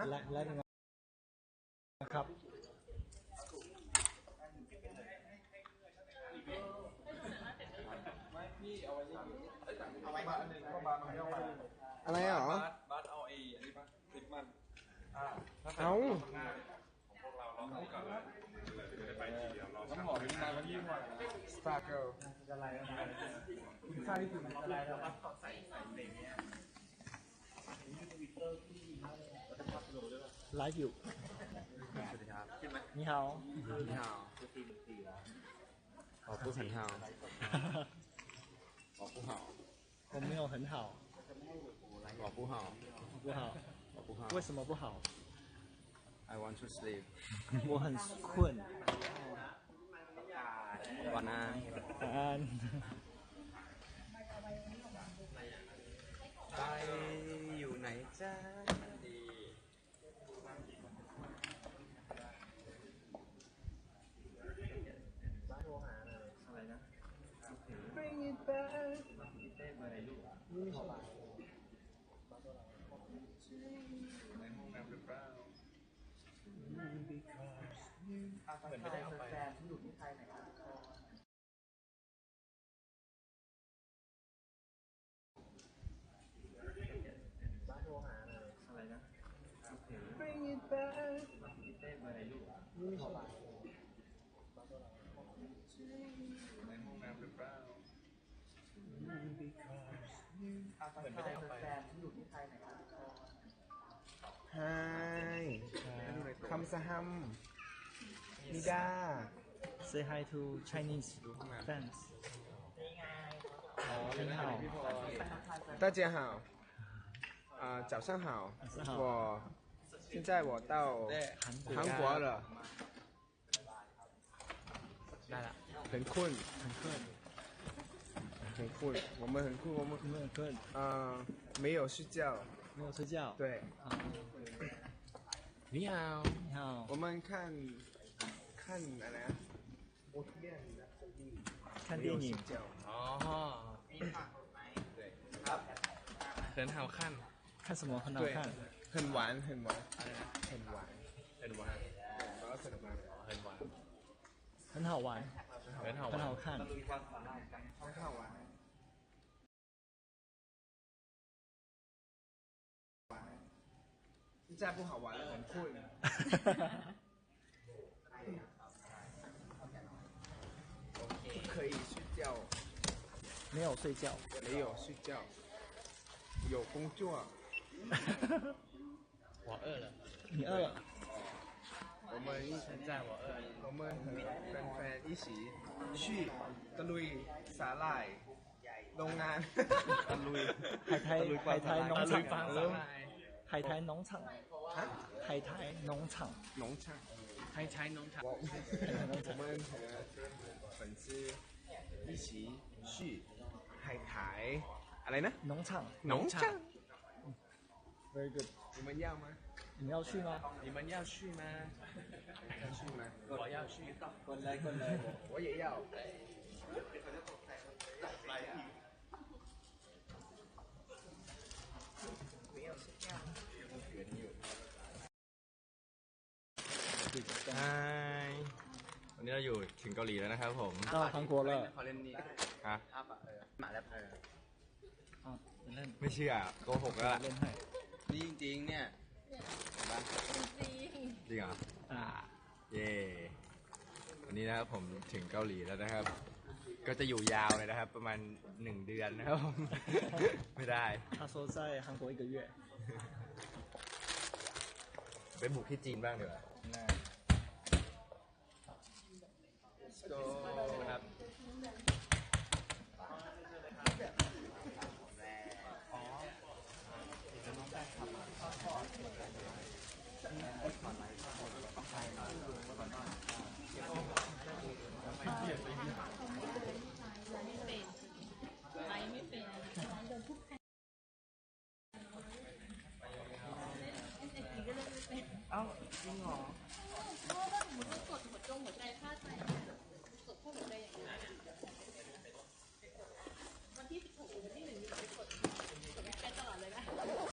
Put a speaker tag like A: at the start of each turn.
A: และนะครับ
B: อะไรเหรอ
C: บัสเอาอันนี้ปะติดมัน
B: เอา
C: น้ำหอมนี่นานมันยิ่งกว่า
B: สตาร์เกิล
A: อะไรค่าที่สุดอะไรแล้วครับใส่เบรกเนี่ยไลฟ์อยู่สวัสดีครับ你好
B: 你好我不很好我不好
A: 我没有很好
B: 我不好
A: 不好
B: 我不好
A: 为什么不好
B: I want to sleep
A: 我很困
B: 晚安
A: 晚安
B: ไปอยู่ไหนจ้าBring it back
C: ในห้องน้ำหรือเปล่า
A: เหมือนไม่ได้เอาไปแฟนที่อยู่ที่ไทยไหนครับบ้านโทรหาอะไรนะ
B: Bring it back
A: เต้นอะไรลูก
C: ในห้องน้ำหรือเปล่า
A: เหมือนไม่ได้เอาไปแฟนที่อยู่ที่ไทยไหนครับ
B: Hi คำสหัมนิดา
A: Say hi to Chinese fans 你好
B: 大家好早上好我现在我到韩国了
A: ได้ละ
B: 很困很困我们很困我们
A: 没有困
B: 没有睡觉
A: 没有睡觉
B: 对
A: 你好你好
B: 我们看อะไรนะ
A: 看电影
B: อ๋อ
C: เขินหาวขั้น
A: 看什么很好看
B: 很玩很玩很玩
C: เขินหวาน
B: แล้วก็สนุกมาก
C: เขินหวาน
A: 很好玩
C: เขินหาว
A: 很好看
B: 很好玩现在不好玩了很困不可以睡觉
A: 没有睡觉
B: 没有睡觉有工作
C: 我饿了
A: 你饿了
B: 我们现在我们和แฟนๆ一起去ตะลุยสาหร่ายโรงงาน
A: ตะลุย海苔农场海苔农场海苔农场
B: 农场
C: ใช้น้องฉัน
B: 我们和粉丝一起去海苔อะไรนะ
A: 农场
B: 农场
A: very good
B: 你们要吗
A: 你们要去吗
C: 你们要去吗
B: 要去吗
C: 我要去
A: 滚来
B: 我也要
C: ใช่วันนี้เราอยู่ถึงเกาหลีแล้วนะครับผม
A: 到韩国了
B: เขาเล่นนี่
C: ฮะ
B: หมาแล้ว
C: ไม่เชื่อโกหกแล้วล่ะ
A: เล่นให้
B: นี่จริงๆเนี่ย
C: จริงเหรอเย่วันนี้นะครับผมถึงเกาหลีแล้วนะครับ ก็จะอยู่ยาวเลยนะครับ ประมาณ1 เดือนนะครับ ไม่ได้
A: 他说在韩国1个月
C: ไปบุกที่จีนบ้างเดี๋ยวครับ
B: เอ้าจริงเหรอ
D: เพราะว่าสมมติว่ากดหัวใจพลาดไปกดพวกหัวใจอย่างเงี้ย